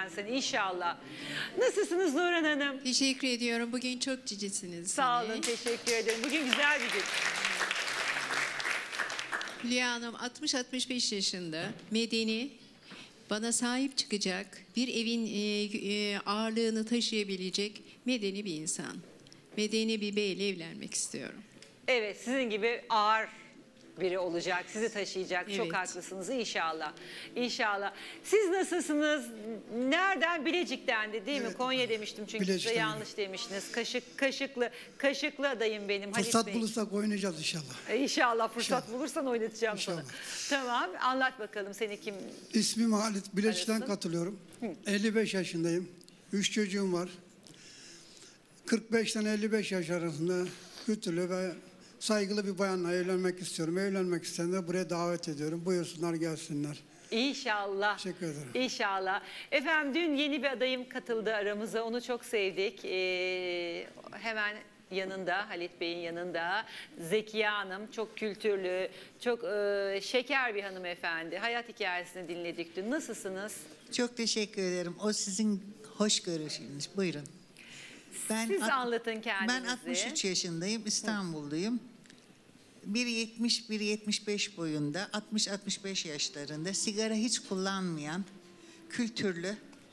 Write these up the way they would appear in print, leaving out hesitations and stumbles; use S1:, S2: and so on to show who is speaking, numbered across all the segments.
S1: kazansın inşallah. Nasılsınız Nurhan Hanım?
S2: Teşekkür ediyorum. Bugün çok cicisiniz.
S1: Sağ olun, teşekkür ederim. Bugün güzel bir gün.
S2: Hülya Hanım 60-65 yaşında, medeni, bana sahip çıkacak, bir evin ağırlığını taşıyabilecek medeni bir insan. Medeni bir beyle evlenmek istiyorum.
S1: Evet, sizin gibi ağır biri olacak, sizi taşıyacak.
S2: Evet.
S1: Çok haklısınız inşallah. İnşallah. Siz nasılsınız? Nereden? Bilecik'ten de değil mi? Konya demiştim çünkü size
S3: Bilecik'ten
S1: yanlış demiştiniz. Kaşıklı adayım benim. Halit
S3: Fırsat
S1: Bey.
S3: bulursak oynayacağız inşallah.
S1: İnşallah fırsat
S3: İnşallah.
S1: bulursan oynatacağım sana.
S3: İnşallah.
S1: Tamam, anlat bakalım seni kim?
S3: İsmim Halit. Bilecik'ten
S1: Arasın.
S3: katılıyorum. 55 yaşındayım. 3 çocuğum var. 45'ten 55 yaş arasında kültürlü ve saygılı bir bayanla evlenmek istiyorum. Evlenmek isteyenleri buraya davet ediyorum. Buyursunlar gelsinler.
S1: İnşallah.
S3: Teşekkür ederim.
S1: İnşallah. Efendim dün yeni bir adayım katıldı aramıza. Onu çok sevdik. Hemen yanında, Halit Bey'in yanında Zekiye Hanım. Çok kültürlü, çok şeker bir hanımefendi. Hayat hikayesini dinledik dün. Nasılsınız?
S4: Çok teşekkür ederim. O sizin hoş görüşünüz. Buyurun.
S1: Siz anlatın kendinizi.
S4: Ben 63 yaşındayım. İstanbulluyum. 1.70, 1.75 boyunda, 60-65 yaşlarında, sigara hiç kullanmayan, kültürlü,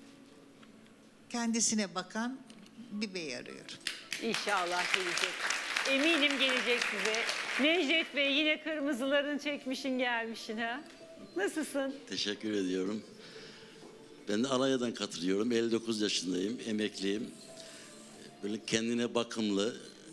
S4: kendisine bakan bir bey arıyorum.
S1: İnşallah gelecek. Eminim gelecek size. Necdet Bey yine kırmızılarını çekmişin gelmişin ha. Nasılsın?
S5: Teşekkür ediyorum. Ben de Alanya'dan katılıyorum. 59 yaşındayım, emekliyim. Böyle kendine bakımlı,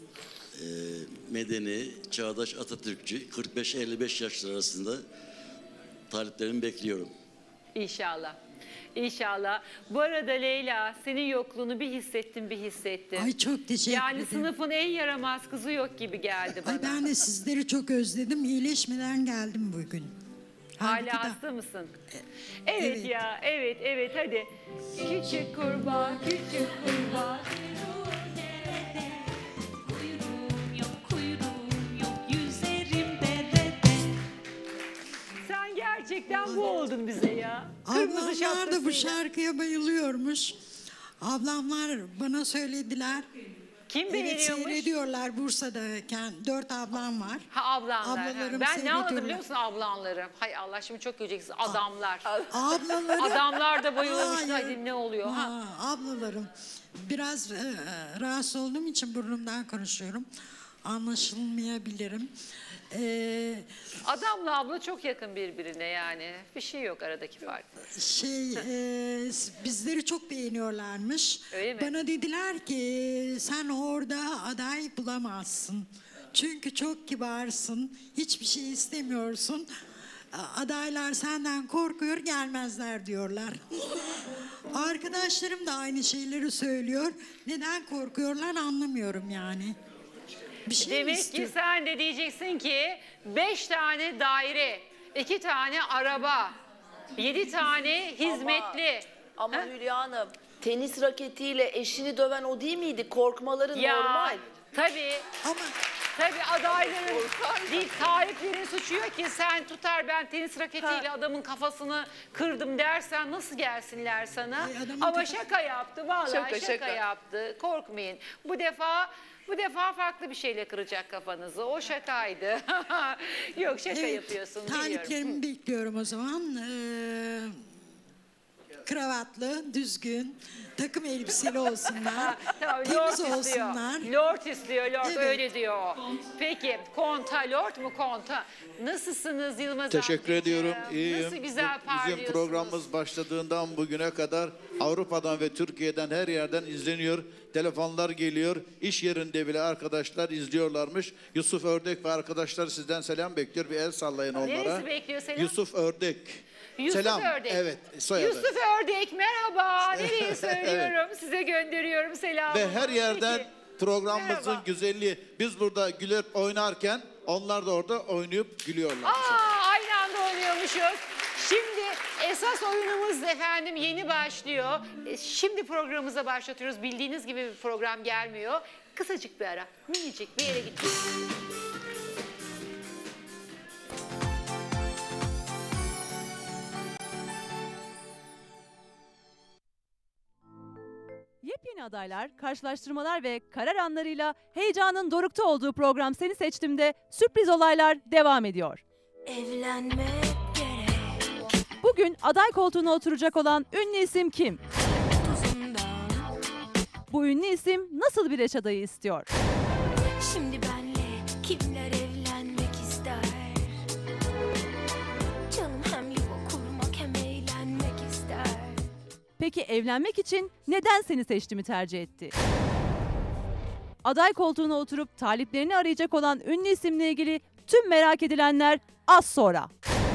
S5: medeni, çağdaş Atatürkçü, 45-55 yaşlar arasında taliplerimi bekliyorum.
S1: İnşallah. İnşallah. Bu arada Leyla, senin yokluğunu bir hissettim.
S6: Ay çok teşekkür
S1: Yani
S6: ederim.
S1: sınıfın en yaramaz kızı yok gibi geldi bana.
S6: Ay ben de sizleri çok özledim. İyileşmeden geldim bugün. Halbuki
S1: Hala
S6: da-
S1: hasta mısın? Evet,
S6: evet.
S1: ya, evet hadi. Küçük kurbağa, küçük kurbağa.
S7: Kuyruğum yok, yüzerim derede.
S1: Sen gerçekten bu oldun bize ya. Kırmızı
S6: Ablamlar da bu
S1: şapkasıyla.
S6: şarkıya bayılıyormuş. Ablamlar bana söylediler.
S1: Kim
S6: Evet
S1: beğeniyormuş?
S6: seyrediyorlar Bursa'dayken. 4 ablam var.
S1: Ha ablanlar. Ha.
S6: Ablalarım
S1: Ben ne anladım
S6: seyrediyorlar.
S1: biliyor musun ablanları? Hay Allah şimdi çok göreceksiniz adamlar.
S6: Ablaları...
S1: Adamlar da bayılıyormuş.
S6: Hayır.
S1: Hadi ne oluyor? Ha.
S6: Ha, ablalarım. Biraz rahatsız olduğum için burnumdan konuşuyorum. Anlaşılmayabilirim.
S1: Adamla abla çok yakın birbirine yani. Bir şey yok aradaki fark.
S6: Bizleri çok beğeniyorlarmış.
S1: Öyle mi?
S6: Bana dediler ki sen orada aday bulamazsın. Çünkü çok kibarsın. Hiçbir şey istemiyorsun. Adaylar senden korkuyor gelmezler diyorlar. Arkadaşlarım da aynı şeyleri söylüyor. Neden korkuyorlar anlamıyorum yani. Bir şey mi
S1: Demek
S6: istiyor?
S1: ki sen de diyeceksin ki 5 tane daire, 2 tane araba, 7 tane hizmetli.
S8: Ama
S1: Ha?
S8: Hülya Hanım, tenis raketiyle eşini döven o değil miydi? Korkmaları normal.
S1: Tabii.
S6: Ama
S1: Tabii adayların değil sahiplerin suçu yok ki sen tutar ben tenis raketiyle adamın kafasını kırdım dersen nasıl gelsinler sana?
S6: Ay, adamın
S1: Ama
S6: kafa-
S1: şaka yaptı vallahi şaka
S8: Şaka.
S1: yaptı. Korkmayın. Bu defa farklı bir şeyle kıracak kafanızı. O şakaydı. Yok şaka yapıyorsun biliyorum.
S6: taliplerimi bekliyorum o zaman. Kravatlı, düzgün, takım elbiseli olsunlar.
S1: Tamam,
S6: temiz
S1: lord istiyor.
S6: olsunlar.
S1: Lord istiyor, lord
S6: Evet.
S1: öyle diyor. Peki, konta, lord mu konta? Nasılsınız Yılmaz
S9: Teşekkür
S1: amcacığım?
S9: ediyorum. İyiyim.
S1: Nasıl güzel
S9: Bizim
S1: parlıyorsunuz.
S9: programımız başladığından bugüne kadar Avrupa'dan ve Türkiye'den her yerden izleniyor. Telefonlar geliyor. İş yerinde bile arkadaşlar izliyorlarmış. Yusuf Ördek ve arkadaşlar sizden selam bekliyor. Bir el sallayın onlara.
S1: Neresi bekliyor selam?
S9: Yusuf Ördek.
S1: Yusuf
S9: selam.
S1: Ördek.
S9: Evet, soyadı.
S1: Yusuf Ördek merhaba. Nereye söylüyorum? Size gönderiyorum selamı.
S9: Ve her yerden
S1: Peki.
S9: programımızın
S1: Merhaba.
S9: güzelliği. Biz burada gülüp oynarken onlar da orada oynayıp gülüyorlar.
S1: Aynı anda oynuyormuşuz. Şimdi esas oyunumuz efendim yeni başlıyor. Şimdi programımıza başlatıyoruz. Bildiğiniz gibi bir program gelmiyor. Kısacık bir ara, minicik bir yere gideceğiz.
S10: Yepyeni adaylar, karşılaştırmalar ve karar anlarıyla heyecanın dorukta olduğu program Seni Seçtim'de sürpriz olaylar devam ediyor.
S7: Evlenmek gerek
S10: Bugün aday koltuğuna oturacak olan ünlü isim kim?
S7: tuzundan.
S10: Bu ünlü isim nasıl bir eş adayı istiyor?
S7: Şimdi benle kimler evlenmek ister? Canım hem yuva kurmak hem eğlenmek ister.
S10: Peki evlenmek için neden Seni Seçtim'i tercih etti? Aday koltuğuna oturup taliplerini arayacak olan ünlü isimle ilgili tüm merak edilenler az sonra.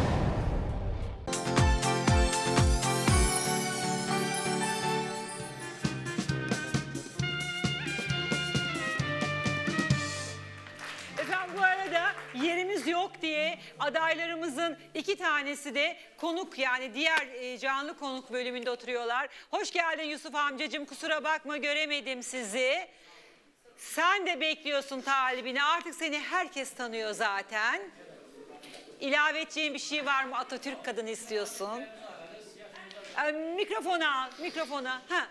S1: Efendim bu arada yerimiz yok diye adaylarımızın 2 tanesi de konuk, yani diğer canlı konuk bölümünde oturuyorlar. Hoş geldin Yusuf amcacığım, kusura bakma göremedim sizi. Sen de bekliyorsun talibini, artık seni herkes tanıyor zaten. İlave edeceğin bir şey var mı? Atatürk kadını istiyorsun. Mikrofona al, mikrofona. Ha.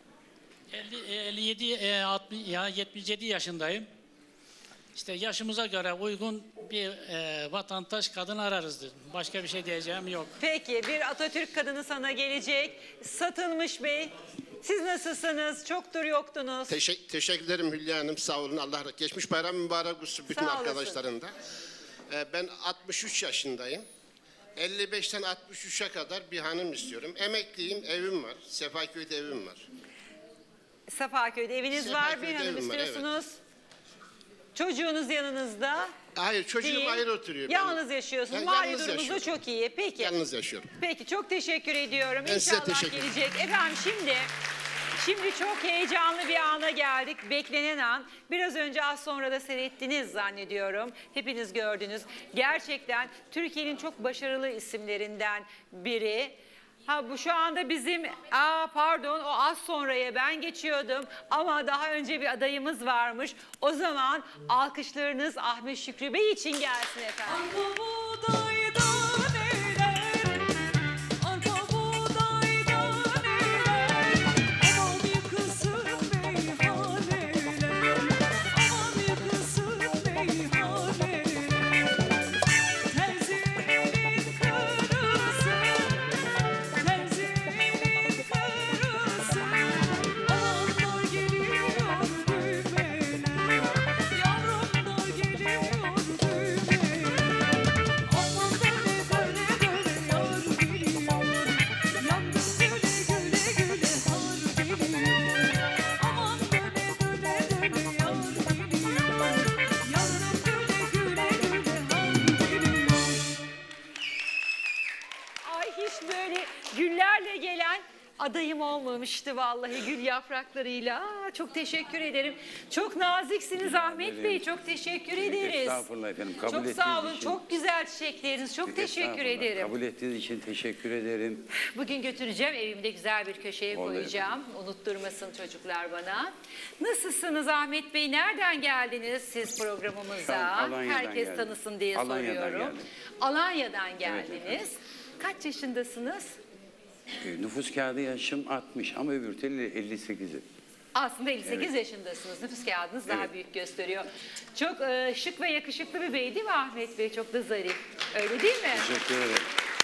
S11: 77 yaşındayım. İşte yaşımıza göre uygun bir vatandaş kadın ararız. Başka bir şey diyeceğim yok.
S1: Peki, bir Atatürk kadını sana gelecek. Satılmış Bey, siz nasılsınız? Çoktur yoktunuz.
S12: Teşekkür ederim Hülya Hanım, sağ olun. Allah geçmiş bayram mübarek olsun bütün
S1: Sağ olasın.
S12: arkadaşların da. Ben 63 yaşındayım. 55'ten 63'e kadar bir hanım istiyorum. Emekliyim, evim var. Sefaköy'de evim var.
S1: Sefaköy'de eviniz var, bir
S12: Sefaköy'de
S1: hanım
S12: evim var,
S1: istiyorsunuz. Çocuğunuz yanınızda.
S12: Hayır, çocuğum
S1: değil.
S12: ayrı oturuyor.
S1: Yalnız yaşıyorsunuz.
S12: Ben
S1: Mali
S12: yalnız
S1: durumunuz da
S12: yaşıyorum.
S1: çok iyi. Peki.
S12: Yalnız yaşıyorum.
S1: Peki, çok teşekkür ediyorum.
S12: Ben size
S1: İnşallah
S12: teşekkür ederim.
S1: gelecek. Efendim şimdi çok heyecanlı bir ana geldik. Beklenen an. Biraz önce az sonra da seyrettiniz zannediyorum. Hepiniz gördünüz. Gerçekten Türkiye'nin çok başarılı isimlerinden biri. Ha, bu şu anda bizim, pardon, o az sonraya ben geçiyordum ama daha önce bir adayımız varmış. O zaman alkışlarınız Ahmet Şükrü Bey için gelsin efendim. Ay, hiç böyle güllerle gelen adayım olmamıştı vallahi, gül yapraklarıyla. Çok teşekkür ederim. Çok naziksiniz Ahmet Bey. Çok teşekkür ederiz.
S13: Estağfurullah efendim. Kabul
S1: Çok
S13: ettiğiniz
S1: sağ olun.
S13: için.
S1: Çok güzel çiçekleriniz. Çok teşekkür
S13: Estağfurullah.
S1: ederim.
S13: Kabul ettiğiniz için teşekkür ederim.
S1: Bugün götüreceğim, evimde güzel bir köşeye
S13: Oldu
S1: koyacağım. Unutturmasın çocuklar bana. Nasılsınız Ahmet Bey? Nereden geldiniz siz programımıza?
S13: Şu an Alanya'dan
S1: Herkes
S13: geldim.
S1: tanısın diye
S13: Alanya'dan
S1: soruyorum.
S13: geldim.
S1: Alanya'dan geldiniz. Kaç yaşındasınız?
S13: Nüfus kağıdı yaşım 60 ama öbür türlü 58'i.
S1: Aslında 58
S13: Evet.
S1: yaşındasınız. Nüfus kağıdınız daha
S13: Evet.
S1: büyük gösteriyor. Çok şık ve yakışıklı bir bey değil mi Ahmet Bey? Çok da zarif. Öyle değil mi?
S13: Teşekkür ederim.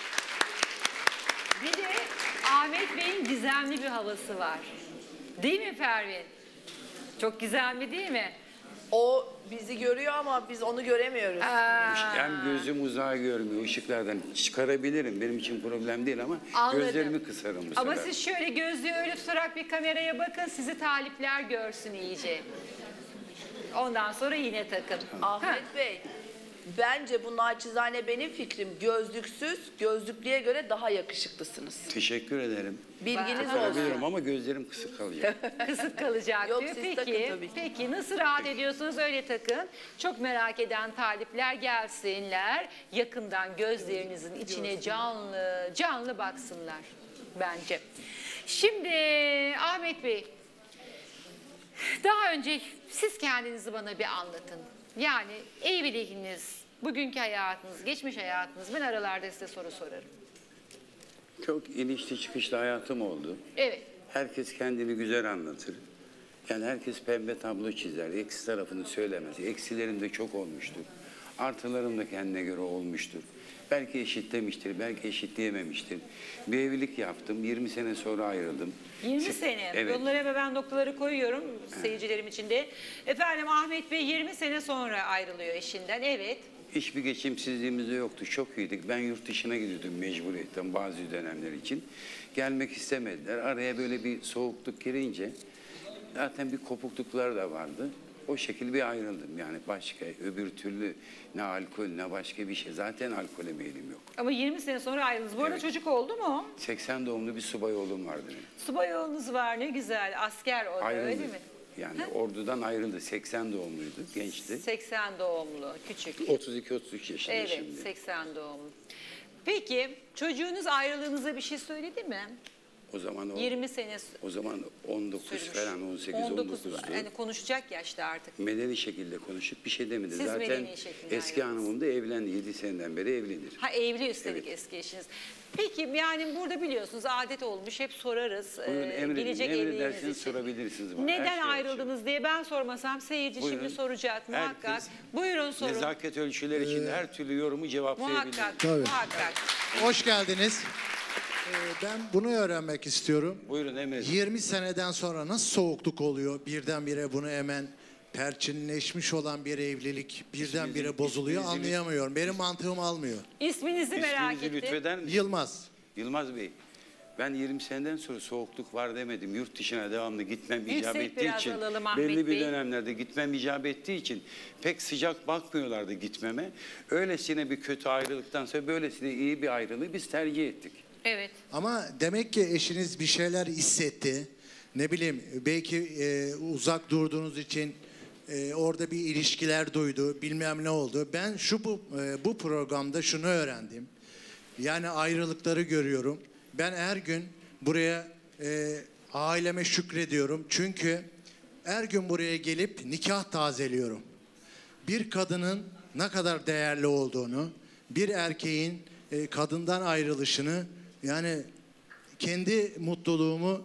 S1: Bir de Ahmet Bey'in gizemli bir havası var. Değil mi Pervin? Çok gizemli değil mi?
S8: O bizi görüyor ama biz onu göremiyoruz.
S13: Hem gözüm uzağı görmüyor ışıklardan. Çıkarabilirim. Benim için problem değil ama
S1: Anladım.
S13: gözlerimi kısarım bu
S1: Ama
S13: sefer.
S1: siz şöyle gözlüğü öyle tutarak bir kameraya bakın, sizi talipler görsün iyice. Ondan sonra yine takın.
S8: Ahmet Bey, bence bu naçizane benim fikrim. Gözlüksüz, gözlüklüye göre daha yakışıklısınız.
S13: Teşekkür ederim.
S8: Bilginiz
S13: Takabilirim
S8: olsun.
S13: ama gözlerim kısık kalacak.
S1: Kısık kalacak
S8: Yok,
S1: diyor.
S8: siz
S1: Peki,
S8: takın tabii ki.
S1: peki nasıl rahat ediyorsunuz öyle takın. Çok merak eden talipler gelsinler. Yakından gözlerinizin içine canlı canlı baksınlar bence. Şimdi Ahmet Bey, daha önce siz kendinizi bana bir anlatın. Yani evliliğiniz, bugünkü hayatınız, geçmiş hayatınız, ben aralarda size soru sorarım.
S13: Çok inişli çıkışlı hayatım oldu.
S1: Evet.
S13: Herkes kendini güzel anlatır. Yani herkes pembe tablo çizer. Eksi tarafını söylemez. Eksilerim de çok olmuştur. Artılarım da kendine göre olmuştur. Belki eşitlemiştir, belki eşitleyememiştir. Bir evlilik yaptım, 20 sene sonra ayrıldım.
S1: 20 sene.
S13: Evet.
S1: Yollara ve ben noktaları koyuyorum seyircilerim için de. Efendim Ahmet Bey 20 sene sonra ayrılıyor eşinden. Evet.
S13: Hiçbir geçimsizliğimiz de yoktu. Çok iyiydik. Ben yurt dışına gidiyordum mecburiyetten bazı dönemler için. Gelmek istemediler. Araya böyle bir soğukluk girince zaten bir kopukluklar da vardı. O şekilde bir ayrıldım. Yani başka öbür türlü ne alkol ne başka bir şey. Zaten alkole meyilim yok.
S1: Ama 20 sene sonra ayrıldınız. Bu arada
S13: Evet.
S1: çocuk oldu mu?
S13: 80 doğumlu bir subay oğlum vardı benim.
S1: Subay oğlunuz var, ne güzel. Asker o da,
S13: Ayrıldı.
S1: öyle mi?
S13: Yani ordudan ayrıldı. 80 doğumluydu. Gençti.
S1: 80 doğumlu, küçük.
S13: 32-33 yaşında
S1: Evet,
S13: şimdi.
S1: 80 doğumlu. Peki çocuğunuz ayrılığınıza bir şey söyledi mi?
S13: O zaman
S1: 20 sene
S13: o zaman 19
S1: sürmüş.
S13: falan 18
S1: 19
S13: 19'du.
S1: yani konuşacak yaşta artık.
S13: Medeni şekilde konuşup bir şey demedi.
S1: Siz
S13: Zaten
S1: medeni şekilde
S13: eski
S1: ayrıldınız.
S13: hanımım da evlendi. 7 seneden beri evlidir.
S1: Ha, evli üstelik eski eşiniz. Peki yani burada biliyorsunuz adet olmuş, hep sorarız.
S13: Buyurun
S1: Gelecek evliliğiniz
S13: emredersiniz
S1: için.
S13: sorabilirsiniz bana.
S1: Neden
S13: Her şey
S1: ayrıldınız diye ben sormasam seyirci
S13: Buyurun.
S1: şimdi soracak muhakkak.
S13: Herkes
S1: Buyurun sorun.
S13: Nezaket ölçüleri için her türlü yorumu cevaplayabilir.
S1: Muhakkak, muhakkak.
S14: Hoş geldiniz. Ben bunu öğrenmek istiyorum.
S13: Buyurun emredin.
S14: 20 seneden sonra nasıl soğukluk oluyor? Birdenbire bunu hemen perçinleşmiş olan bir evlilik birdenbire bozuluyor,
S13: isminizi-
S14: anlayamıyorum. Benim mantığım almıyor.
S1: İsminizi merak
S13: İsminizi
S1: ettim.
S13: lütfeder misiniz?
S14: Yılmaz.
S13: Yılmaz Bey. Ben 20 seneden sonra soğukluk var demedim. Yurt dışına devamlı gitmem
S1: Yüksek
S13: icap ettiği
S1: biraz
S13: için,
S1: alalım Ahmet
S13: belli bir
S1: Bey.
S13: dönemlerde gitmem icap ettiği için pek sıcak bakmıyorlardı gitmeme. Öylesine bir kötü ayrılıktan sonra böylesine iyi bir ayrılığı biz tercih ettik.
S1: Evet.
S14: Ama demek ki eşiniz bir şeyler hissetti. Ne bileyim belki uzak durduğunuz için orada bir ilişkiler duydu, bilmem ne oldu. Ben bu programda şunu öğrendim. Yani ayrılıkları görüyorum. Ben her gün buraya aileme şükrediyorum. Çünkü her gün buraya gelip nikah tazeliyorum. Bir kadının ne kadar değerli olduğunu, bir erkeğin kadından ayrılışını, yani kendi mutluluğumu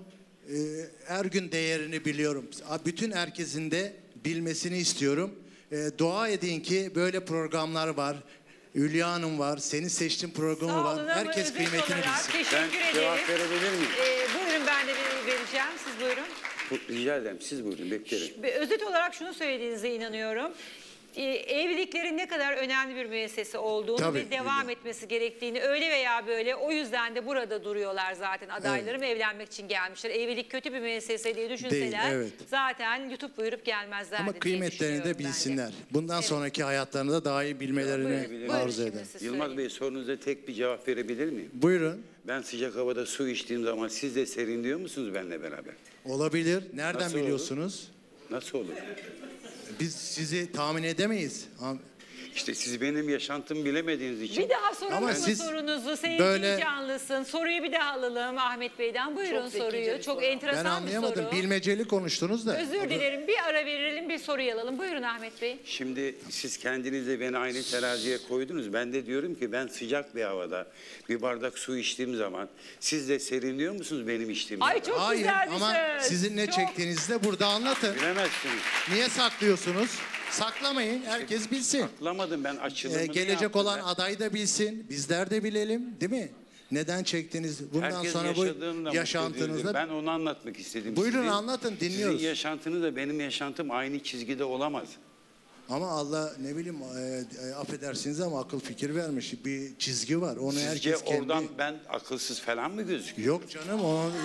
S14: her gün değerini biliyorum. Bütün herkesin de bilmesini istiyorum. Dua edin ki böyle programlar var. Hülya Hanım var, senin seçtiğin programı
S1: Sağ
S14: var.
S1: olun ama
S14: Herkes
S1: özet
S14: kıymetini
S1: olarak
S14: bilsin.
S1: teşekkür
S13: Ben
S1: ederim.
S13: cevap verebilir miyim?
S1: Buyurun ben de vereceğim. Siz buyurun.
S13: Rica ederim. Siz buyurun beklerim.
S1: Özet olarak şunu söylediğinize inanıyorum. Evliliklerin ne kadar önemli bir müessese olduğunu
S14: Tabii,
S1: ve devam etmesi gerektiğini öyle veya böyle, o yüzden de burada duruyorlar zaten adaylarım, evlenmek için gelmişler. Evlilik kötü bir müessese diye düşünseler
S14: Değil, evet.
S1: zaten YouTube buyurup gelmezlerdi
S14: Ama
S1: diye
S14: kıymetlerini de
S1: düşünüyorum ben
S14: bilsinler. Bundan sonraki hayatlarını da daha iyi bilmelerini
S1: Buyurun
S14: arzu
S1: şimdi
S14: ederim.
S1: siz
S13: Yılmaz
S1: söyleyin.
S13: Bey sorunuza tek bir cevap verebilir miyim?
S14: Buyurun.
S13: Ben sıcak havada su içtiğim zaman siz de serinliyor musunuz benimle beraber?
S14: Olabilir. Nereden
S13: Nasıl olur?
S14: biliyorsunuz?
S13: Nasıl olur?
S14: Biz sizi tahmin edemeyiz.
S13: İşte siz benim yaşantımı bilemediğiniz için.
S1: Bir daha soralım
S14: Ama
S1: mı
S14: siz
S1: sorunuzu? Seyirci
S14: böyle-
S1: canlısın. Soruyu bir daha alalım Ahmet Bey'den. Buyurun
S8: Çok zekice
S1: soruyu.
S8: bir
S1: Çok
S8: soru.
S14: Ben
S1: enteresan bir
S14: anlayamadım.
S1: soru.
S14: Bilmeceli konuştunuz da.
S1: Özür dilerim. Bir ara verelim, bir soruyu alalım. Buyurun Ahmet Bey.
S13: Şimdi siz kendiniz de beni aynı teraziye koydunuz. Ben de diyorum ki ben sıcak bir havada bir bardak su içtiğim zaman siz de serinliyor musunuz benim içtiğim
S1: Ay
S13: zaman?
S1: çok
S14: Hayır
S1: güzel bir
S14: ama
S1: söz.
S14: sizin ne
S1: Çok-
S14: çektiğinizi de burada anlatın.
S13: Bilemezsiniz.
S14: Niye saklıyorsunuz? Saklamayın. Herkes bilsin.
S13: Saklamadım ben açılımını
S14: Gelecek
S13: yaptım
S14: olan
S13: ben.
S14: aday da bilsin. Bizler de bilelim. Değil mi? Neden çektiniz? Bundan
S13: Herkes
S14: sonra
S13: yaşadığında
S14: bu
S13: mutlu
S14: yaşantınızda...
S13: değildir. Ben onu anlatmak istedim.
S14: Buyurun anlatın, dinliyoruz.
S13: Sizin yaşantınız da benim yaşantım aynı çizgide olamaz.
S14: Ama Allah ne bileyim affedersiniz ama akıl fikir vermiş. Bir çizgi var. Onu
S13: Sizce
S14: herkes kendi...
S13: oradan ben akılsız falan mı gözüküyorum?
S14: Yok canım.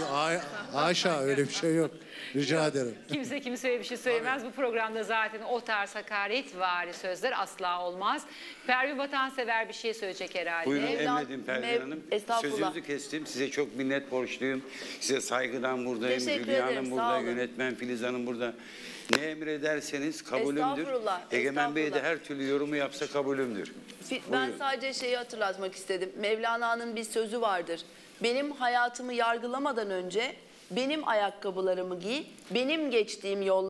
S14: Haşa öyle bir şey yok. Rica ederim.
S1: Kimse kimseye bir şey söylemez. Bu programda zaten o tarz hakaretvari sözler asla olmaz. Pervin Vatansever bir şey söyleyecek herhalde.
S13: Buyurun
S8: Mevlam-
S13: emredin Pervin Hanım.
S8: Estağfurullah.
S13: Sözünüzü kestim. Size çok minnet borçluyum. Size saygıdan buradayım.
S8: Teşekkür
S13: Hülya
S8: ederim,
S13: Hanım
S8: sağ
S13: burada,
S8: olun.
S13: yönetmen Filiz Hanım burada. Ne emrederseniz kabulümdür.
S8: Estağfurullah,
S13: Egemen Bey de
S8: estağfurullah.
S13: her türlü yorumu yapsa kabulümdür.
S8: Ben
S13: Buyurun.
S8: sadece şeyi hatırlatmak istedim. Mevlana'nın bir sözü vardır. Benim hayatımı yargılamadan önce benim ayakkabılarımı giy, benim geçtiğim yol